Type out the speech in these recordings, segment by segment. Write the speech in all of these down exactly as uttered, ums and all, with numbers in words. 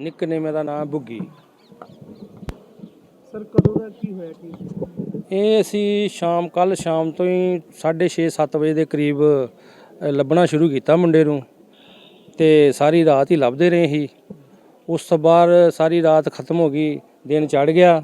Nickname ਦਾ ਨਾਮ ਬੁੱਗੀ। Sir ਕਦੋਂ ਦਾ ਕੀ ਹੋਇਆ ਕੀ? ਇਹ ਅਸੀਂ ਸ਼ਾਮ ਕੱਲ ਸ਼ਾਮ ਤੋਂ ਹੀ ਸਾਢੇ ਛੇ ਸੱਤ ਵਜੇ ਦੇ ਕਰੀਬ ਲੱਭਣਾ ਸ਼ੁਰੂ ਕੀਤਾ ਮੁੰਡੇ ਨੂੰ, ਤੇ ਸਾਰੀ ਰਾਤ ਹੀ ਲੱਭਦੇ ਰਹੇ ਸੀ। ਉਸ ਤੋਂ ਬਾਅਦ ਸਾਰੀ ਰਾਤ ਖਤਮ ਹੋ ਗਈ, ਦਿਨ ਚੜ੍ਹ ਗਿਆ,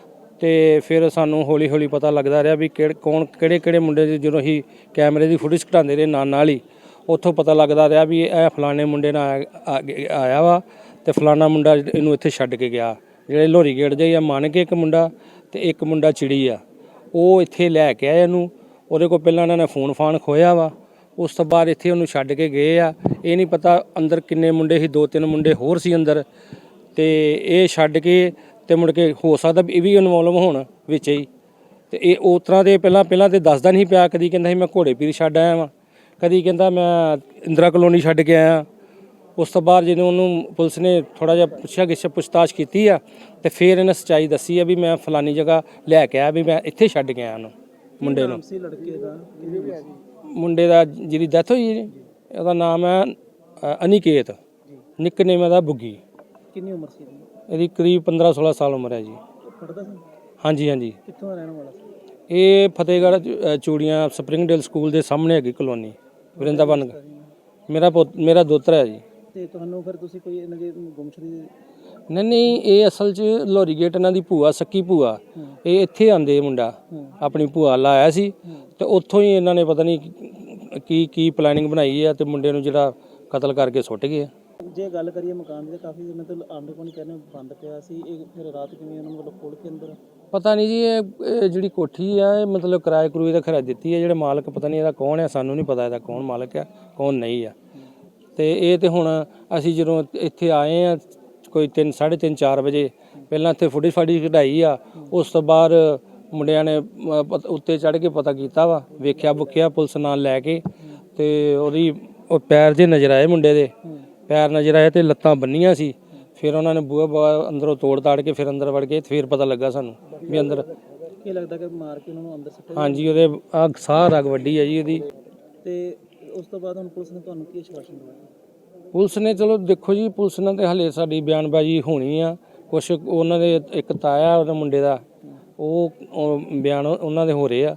ਤੇ ਫਿਰ ਸਾਨੂੰ ਹੌਲੀ ਹੌਲੀ ਪਤਾ ਲੱਗਦਾ ਰਿਹਾ ਵੀ ਕਿਹੜੇ ਕੌਣ ਕਿਹੜੇ ਕਿਹੜੇ ਮੁੰਡੇ ਦੀ, ਜਦੋਂ ਅਸੀਂ ਕੈਮਰੇ ਦੀ ਫੁਟੇਜ ਘਟਾਉਂਦੇ ਰਹੇ ਨਾਲ ਨਾਲ ਹੀ ਉੱਥੋਂ ਪਤਾ ਲੱਗਦਾ ਰਿਹਾ ਵੀ ਇਹ ਫਲਾਣੇ ਮੁੰਡੇ ਨਾਲ ਆਇਆ ਵਾ ਤੇ ਫਲਾਣਾ ਮੁੰਡਾ ਇਹਨੂੰ ਇੱਥੇ ਛੱਡ ਕੇ ਗਿਆ। ਜਿਹੜੇ ਲੋਹਰੀ ਗੇਟ ਦੇ ਆ ਮੰਨ ਕੇ ਇੱਕ ਮੁੰਡਾ ਤੇ ਇੱਕ ਮੁੰਡਾ ਚਿੜੀ ਆ, ਉਹ ਇੱਥੇ ਲੈ ਕੇ ਆਏ ਇਹਨੂੰ। ਉਹਦੇ ਕੋਲ ਪਹਿਲਾਂ ਇਹਨਾਂ ਨੇ ਫੋਨ ਫਾਨ ਖੋਇਆ ਵਾ, ਉਸ ਤੋਂ ਬਾਅਦ ਇੱਥੇ ਉਹਨੂੰ ਛੱਡ ਕੇ ਗਏ ਆ। ਇਹ ਨਹੀਂ ਪਤਾ ਅੰਦਰ ਕਿੰਨੇ ਮੁੰਡੇ ਸੀ, ਦੋ ਤਿੰਨ ਮੁੰਡੇ ਹੋਰ ਸੀ ਅੰਦਰ, ਤੇ ਇਹ ਛੱਡ ਕੇ ਤੇ ਮੁੜ ਕੇ ਹੋ ਸਕਦਾ ਇਹ ਵੀ ਇਨਵੋਲਵ ਹੋਣ ਵਿੱਚ ਹੀ। ਤੇ ਇਹ ਉਸ ਤਰ੍ਹਾਂ ਦੇ ਪਹਿਲਾਂ ਪਹਿਲਾਂ ਤੇ ਦੱਸਦਾ ਨਹੀਂ ਪਿਆ, ਕਦੀ ਕਹਿੰਦਾ ਸੀ ਮੈਂ ਘੋੜੇ ਪੀਰ ਛੱਡ ਆਇਆ ਵਾਂ, ਕਦੀ ਕਹਿੰਦਾ ਮੈਂ ਇੰਦਰਾ ਕਲੋਨੀ ਛੱਡ ਕੇ ਆਇਆ। ਉਸ ਤੋਂ ਬਾਅਦ ਜਦੋਂ ਉਹਨੂੰ ਪੁਲਿਸ ਨੇ ਥੋੜ੍ਹਾ ਜਿਹਾ ਪੁੱਛਿਆ ਗਿੱਛ ਪੁੱਛਤਾਛ ਕੀਤੀ ਆ, ਤੇ ਫਿਰ ਇਹਨੇ ਸੱਚਾਈ ਦੱਸੀ ਆ ਵੀ ਮੈਂ ਫਲਾਨੀ ਜਗ੍ਹਾ ਲੈ ਕੇ ਆਇਆ, ਵੀ ਮੈਂ ਇੱਥੇ ਛੱਡ ਕੇ ਆਇਆ ਉਹਨੂੰ ਮੁੰਡੇ ਨੂੰ। ਲੜਕੇ ਦਾ ਮੁੰਡੇ ਦਾ ਜਿਹਦੀ ਡੈਥ ਹੋਈ ਜੀ, ਉਹਦਾ ਨਾਮ ਹੈ ਅਨਿਕੇਤ, ਨਿਕਨੇਮ ਦਾ ਬੁੱਗੀ। ਕਿੰਨੀ ਉਮਰ ਸੀ ਇਹਦੀ ਕਰੀਬ ਪੰਦਰਾਂ ਸੋਲਾਂ ਸਾਲ ਉਮਰ ਹੈ ਜੀ। ਪੜ੍ਹਦਾ ਸੀ? ਹਾਂਜੀ ਹਾਂਜੀ। ਕਿੱਥੋਂ ਦਾ ਰਹਿਣ ਵਾਲਾ ਸੀ? ਇਹ ਫਤਿਹਗੜ੍ਹ ਚੂੜੀਆਂ ਸਪਰਿੰਗਡੇਲ ਸਕੂਲ ਦੇ ਸਾਹਮਣੇ ਹੈਗੀ ਕਲੋਨੀ ਵਰਿੰਦਾਵਨ। ਮੇਰਾ ਪੁੱਤ ਮੇਰਾ ਦੋਤਰਾ ਹੈ ਜੀ। ਤੇ ਤੁਹਾਨੂੰ ਫਿਰ ਤੁਸੀਂ ਕੋਈ ਇਹਨਾਂ ਦੀ ਗੁੰਮਸ਼ੁਦਗੀ? ਨਹੀਂ ਨਹੀਂ, ਇਹ ਅਸਲ 'ਚ ਲੋਹਰੀ ਗੇਟ ਇਹਨਾਂ ਦੀ ਭੂਆ ਸੱਕੀ ਭੂਆ, ਇਹ ਇੱਥੇ ਆਂਦੇ ਮੁੰਡਾ ਆਪਣੀ ਭੂਆ ਲਾਇਆ ਸੀ, ਤੇ ਉੱਥੋਂ ਹੀ ਇਹਨਾਂ ਨੇ ਪਤਾ ਨਹੀਂ ਕੀ ਕੀ ਪਲੈਨਿੰਗ ਬਣਾਈ ਆ, ਤੇ ਮੁੰਡੇ ਨੂੰ ਜਿਹੜਾ ਕਤਲ ਕਰਕੇ ਸੁੱਟ ਗਏ। ਜੇ ਗੱਲ ਕਰੀਏ ਮਕਾਨ ਦੀ, ਕਾਫੀ ਮਤਲਬ ਆਂਡੇ ਕੋਲ ਕਹਿੰਦੇ ਬੰਦ ਪਿਆ ਸੀ, ਇਹ ਫਿਰ ਰਾਤ ਕਿਵੇਂ ਉਹਨਾਂ ਨੂੰ ਮਤਲਬ ਖੋਲ ਕੇ ਅੰਦਰ? ਪਤਾ ਨਹੀਂ ਜੀ, ਇਹ ਜਿਹੜੀ ਕੋਠੀ ਆ ਇਹ ਮਤਲਬ ਕਿਰਾਏ ਕਰੂਏ ਦਾ ਖਰਾ ਦਿੱਤੀ ਹੈ। ਜਿਹੜੇ ਮਾਲਕ ਪਤਾ ਨਹੀਂ ਇਹਦਾ ਕੌਣ ਹੈ, ਸਾਨੂੰ ਨਹੀਂ ਪਤਾ ਇਹਦਾ ਕੌਣ ਮਾਲਕ ਆ ਕੌਣ ਨਹੀਂ ਆ। ਤੇ ਇਹ ਤੇ ਹੁਣ ਅਸੀਂ ਜਦੋਂ ਇੱਥੇ ਆਏ ਆ ਕੋਈ ਤਿੰਨ ਸਾਢੇ ਤਿੰਨ ਚਾਰ ਵਜੇ, ਪਹਿਲਾਂ ਇੱਥੇ ਫੁਟੇਜ ਫਾੜੀ ਕਢਾਈ ਆ। ਉਸ ਤੋਂ ਬਾਅਦ ਮੁੰਡਿਆਂ ਨੇ ਉੱਤੇ ਚੜ੍ਹ ਕੇ ਪਤਾ ਕੀਤਾ ਵਾ, ਵੇਖਿਆ ਬੁੱਖਿਆ ਪੁਲਿਸ ਨਾਲ ਲੈ ਕੇ, ਤੇ ਉਹਦੀ ਉਹ ਪੈਰ ਜੇ ਨਜ਼ਰ ਆਏ, ਮੁੰਡੇ ਦੇ ਪੈਰ ਨਜ਼ਰ ਆਏ ਤੇ ਲੱਤਾਂ ਬੰਨੀਆਂ ਸੀ। ਫਿਰ ਉਹਨਾਂ ਨੇ ਬੂਹਾ ਬੂਹਾ ਅੰਦਰੋਂ ਤੋੜ ਤਾੜ ਕੇ ਫਿਰ ਅੰਦਰ ਵੜ ਗਏ, ਫਿਰ ਪਤਾ ਲੱਗਾ ਸਾਨੂੰ ਵੀ ਅੰਦਰ ਕੀ ਲੱਗਦਾ ਕਿ ਮਾਰ ਕੇ ਉਹਨਾਂ ਨੂੰ ਅੰਦਰ ਸੁੱਟਿਆ? ਹਾਂਜੀ, ਉਹਦੇ ਆ ਸਾਹ ਰਗ ਵੱਡੀ ਹੈ ਜੀ ਉਹਦੀ। ਤੇ ਉਸ ਤੋਂ ਬਾਅਦ ਹੁਣ ਪੁਲਿਸ ਨੇ ਤੁਹਾਨੂੰ ਕੀ ਆਸ਼ਵਾਸਨ ਦਿੱਤਾ? ਪੁਲਿਸ ਨੇ ਚਲੋ ਦੇਖੋ ਜੀ, ਪੁਲਿਸ ਨਾਲ ਤੇ ਹਲੇ ਸਾਡੀ ਬਿਆਨਬਾਜ਼ੀ ਹੋਣੀ ਆ। ਕੁਛ ਉਹਨਾਂ ਦੇ ਇੱਕ ਤਾਇਆ ਉਹਦੇ ਮੁੰਡੇ ਦਾ, ਉਹ ਬਿਆਨ ਉਹਨਾਂ ਦੇ ਹੋ ਰਹੇ ਆ।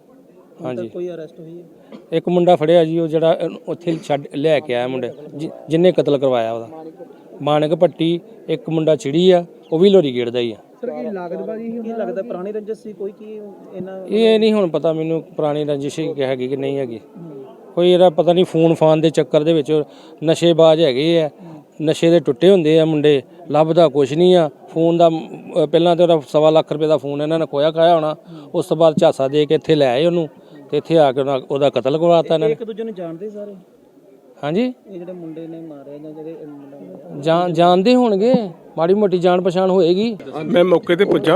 ਹਾਂਜੀ, ਕੋਈ ਅਰੈਸਟ ਹੋਈ ਹੈ? ਇੱਕ ਮੁੰਡਾ ਫੜਿਆ ਜੀ, ਉਹ ਜਿਹੜਾ ਉੱਥੇ ਛੱਡ ਲੈ ਕੇ ਆਇਆ ਮੁੰਡੇ ਜਿਹਨੇ ਕਤਲ ਕਰਵਾਇਆ, ਉਹਦਾ ਮਾਨਕ ਪੱਟੀ। ਇੱਕ ਮੁੰਡਾ ਚਿੜੀ ਆ, ਉਹ ਵੀ ਲੋਹਰੀ ਗੇਟ ਦਾ ਹੀ ਆ। ਸਰ ਕੀ ਲਾਗਤਬਾਜ਼ੀ ਕੀ ਲੱਗਦਾ ਪੁਰਾਣੀ ਰੰਜਿਸ਼ ਸੀ ਕੋਈ ਕੀ ਇਹਨਾਂ? ਇਹ ਨਹੀਂ ਹੁਣ ਪਤਾ ਮੈਨੂੰ ਪੁਰਾਣੀ ਰੰਜਿਸ਼ ਹੈਗੀ ਕਿ ਨਹੀਂ ਹੈਗੀ। ਕੋਈ ਇਹਦਾ ਪਤਾ ਨਹੀਂ, ਫੋਨ ਫਾਨ ਦੇ ਚੱਕਰ ਦੇ ਵਿੱਚ ਨਸ਼ੇਬਾਜ਼ ਹੈਗੇ ਆ, ਨਸ਼ੇ ਦੇ ਟੁੱਟੇ ਹੁੰਦੇ ਆ ਮੁੰਡੇ, ਲੱਭਦਾ ਕੁਛ ਨਹੀਂ ਆ। ਫੋਨ ਦਾ ਪਹਿਲਾਂ ਤਾਂ ਉਹਦਾ ਸਵਾ ਲੱਖ ਰੁਪਏ ਦਾ ਫੋਨ ਇਹਨਾਂ ਨੇ ਖੋਇਆ ਖਾਇਆ ਹੋਣਾ, ਉਸ ਤੋਂ ਬਾਅਦ ਝਾਸਾ ਦੇ ਕੇ ਇੱਥੇ ਲੈ ਆਏ ਉਹਨੂੰ, ਤੇ ਇੱਥੇ ਆ ਕੇ ਉਹਦਾ ਕਤਲ ਕਰਵਾਤਾ ਇਹਨਾਂ ਨੇ। ਇੱਕ ਦੂਜੇ ਨੂੰ ਜਾਣਦੇ ਸਾਰੇ? ਹਾਂਜੀ, ਇਹ ਜਿਹੜੇ ਮੁੰਡੇ ਨੇ ਮਾਰਿਆ ਜਾਂ ਜਿਹੜੇ ਜਾਣ ਜਾਣਦੇ ਹੋਣਗੇ, ਮਾੜੀ ਮੋਟੀ ਜਾਣ ਪਛਾਣ ਹੋਏਗੀ। ਮੈਂ ਮੌਕੇ ਤੇ ਪੁੱਜਾ,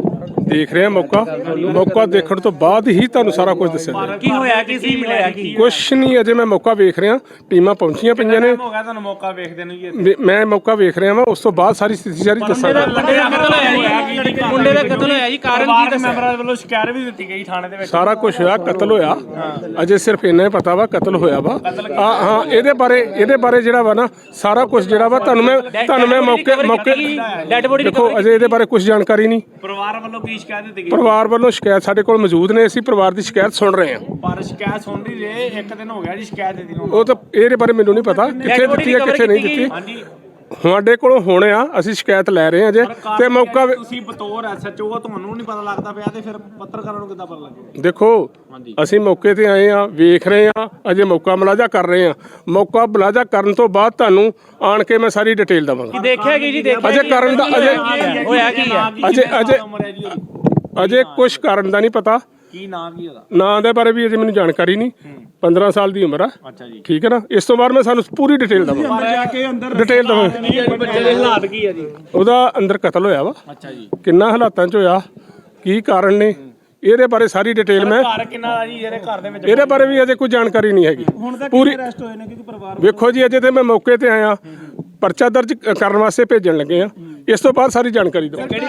ਦੇਖ ਰਿਹਾ ਮੌਕਾ ਮੌਕਾ ਦੇਖਣ ਤੋਂ ਬਾਅਦ ਹੀ ਤੁਹਾਨੂੰ ਸਾਰਾ ਕੁਝ ਦੱਸਿਆ। ਕੀ ਹੋਇਆ, ਕੀ ਸੀ ਮਿਲਿਆ ਕੀ? ਕੁਛ ਨਹੀਂ, ਅਜੇ ਮੈਂ ਮੌਕਾ ਵੇਖ ਰਿਹਾ, ਟੀਮਾਂ ਪਹੁੰਚੀਆਂ ਪਈਆਂ ਨੇ। ਹੋ ਗਿਆ ਤੁਹਾਨੂੰ ਮੌਕਾ ਵੇਖਦੇ ਨੂੰ ਜੀ? ਮੈਂ ਮੌਕਾ ਵੇਖ ਰਿਹਾ ਵਾਂ, ਉਸ ਤੋਂ ਬਾਅਦ ਸਾਰੀ ਸਥਿਤੀ ਸਾਰੀ ਦੱਸਾਂਗਾ। ਮੁੰਡੇ ਦਾ ਕਤਲ ਹੋਇਆ ਜੀ, ਕਾਰਨ ਕੀ ਦੱਸਿਆ? ਮੈਂਬਰਾਂ ਵੱਲੋਂ ਸ਼ਿਕਾਇਤ ਵੀ ਦਿੱਤੀ ਗਈ ਥਾਣੇ ਦੇ ਵਿੱਚ। ਸਾਰਾ ਕੁਝ ਹੋਇਆ, ਕਤਲ ਹੋਇਆ, ਅਜੇ ਸਿਰਫ ਇੰਨਾ ਹੀ ਪਤਾ ਵਾ ਕਤਲ ਹੋਇਆ ਵਾ। ਹਾਂ ਹਾਂ, ਇਹਦੇ ਬਾਰੇ ਇਹਦੇ ਬਾਰੇ ਜਿਹੜਾ ਵਾ ਨਾ ਸਾਰਾ ਕੁਝ ਜਿਹੜਾ ਵਾ ਤੁਹਾਨੂੰ ਮੈਂ ਤੁਹਾਨੂੰ ਮੈਂ ਮੌਕੇ ਮੌਕੇ ਦੇਖੋ, ਅਜੇ ਇਹਦੇ ਬਾਰੇ ਕੁਝ ਜਾਣਕਾਰੀ ਨਹੀਂ। ਪਰਿਵਾਰ ਵੱਲੋਂ ਕੀ ਸ਼ਿਕਾਇਤ ਦਿੱਤੀ ਗਈ? ਪਰਿਵਾਰ ਵੱਲੋਂ ਸ਼ਿਕਾਇਤ ਸਾਡੇ ਕੋਲ ਮੌਜੂਦ ਨੇ, ਅਸੀਂ ਪਰਿਵਾਰ ਦੀ ਸ਼ਿਕਾਇਤ ਸੁਣ ਰਹੇ ਹਾਂ। ਪਰ ਸ਼ਿਕਾਇਤ ਸੁਣ ਰਹੀ ਜੇ ਇੱਕ ਦਿਨ ਹੋ ਗਿਆ ਜੀ ਸ਼ਿਕਾਇਤ ਦਿੱਤੀ ਨੂੰ। ਉਹ ਤਾਂ ਇਹਦੇ ਬਾਰੇ ਮੈਨੂੰ ਨਹੀਂ ਪਤਾ ਕਿੱਥੇ ਦਿੱਤੀ ਹੈ ਕਿੱਥੇ ਨਹੀਂ ਦਿੱਤੀ। ਹਾਂਜੀ, ਸਾਡੇ ਕੋਲੋਂ ਹੁਣ ਆ, ਅਸੀਂ ਸ਼ਿਕਾਇਤ ਲੈ ਰਹੇ ਹਾਂ ਜੇ, ਤੇ ਮੌਕਾ ਤੁਸੀਂ ਬਤੌਰ ਐਸਐਚਓ ਤੁਹਾਨੂੰ ਨਹੀਂ ਪਤਾ ਲੱਗਦਾ ਪਿਆ, ਤੇ ਫਿਰ ਪੱਤਰਕਾਰਾਂ ਨੂੰ ਕਿੱਦਾਂ ਪਤਾ ਲੱਗੇਗਾ? ਦੇਖੋ, ਅਸੀਂ ਮੌਕੇ ਤੇ ਆਏ ਆ, ਵੇਖ ਰਹੇ ਆ, ਅਜੇ ਮੌਕਾ ਮੁਲਾਜ਼ਾ ਕਰ ਰਹੇ ਆ। ਮੌਕਾ ਮੁਲਾਜ਼ਾ ਕਰਨ ਤੋਂ ਬਾਅਦ ਤੁਹਾਨੂੰ ਆਣ ਕੇ ਮੈਂ ਸਾਰੀ ਡਿਟੇਲ ਦਵਾਂਗਾ। ਦੇਖਿਆ ਕੀ ਜੀ? ਦੇਖਿਆ ਅਜੇ ਕਰਨ ਦਾ ਅਜੇ ਹੋਇਆ ਕੀ ਹੈ? ਅਜੇ ਅਜੇ ਅਜੇ ਕੁਝ ਕਰਨ ਦਾ ਨਹੀਂ ਪਤਾ। ਕੀ ਨਾਮ ਕੀ ਉਹਦਾ? ਨਾਂ ਦੇ ਬਾਰੇ ਵੀ ਅਜੇ ਮੈਨੂੰ ਜਾਣਕਾਰੀ ਨਹੀਂ। ਪੰਦਰਾਂ ਸਾਲ ਦੀ ਉਮਰ ਆ। ਅੱਛਾ ਜੀ, ਠੀਕ ਹੈ ਨਾ। ਇਸ ਤੋਂ ਬਾਅਦ ਮੈਂ ਸਾਨੂੰ ਪੂਰੀ ਡਿਟੇਲ ਦਵਾਂਗਾ। ਡਿਟੇਲ ਦਵਾਂਗਾ। ਬੱਚੇ ਦੇ ਹਾਲਾਤ ਕੀ ਆ ਜੀ? ਉਹਦਾ ਅੰਦਰ ਕਤਲ ਹੋਇਆ ਵਾ। ਅੱਛਾ ਜੀ, ਕਿੰਨਾ ਹਾਲਾਤਾਂ 'ਚ ਹੋਇਆ, ਕੀ ਕਾਰਨ ਨੇ, ਇਹਦੇ ਬਾਰੇ ਸਾਰੀ ਡਿਟੇਲ ਮੈਂ ਘਰ ਕਿੰਨਾ ਦਾ ਜੀ ਜਿਹੜੇ ਘਰ ਦੇ ਵਿੱਚ? ਇਹਦੇ ਬਾਰੇ ਵੀ ਅਜੇ ਕੋਈ ਜਾਣਕਾਰੀ ਨਹੀਂ ਹੈਗੀ ਪੂਰੀ। ਅਰੈਸਟ ਹੋਏ ਨੇ ਕਿਉਂਕਿ ਪਰਿਵਾਰ ਵੇਖੋ ਜੀ, ਅਜੇ ਤੇ ਮੈਂ ਮੌਕੇ ਤੇ ਆਇਆ, ਪਰਚਾ ਦਰਜ ਕਰਨ ਵਾਸਤੇ ਭੇਜਣ ਲੱਗੇ ਆ। ਇਸ ਤੋਂ ਬਾਅਦ ਸਾਰੀ ਜਾਣਕਾਰੀ ਦਵਾਂਗਾ।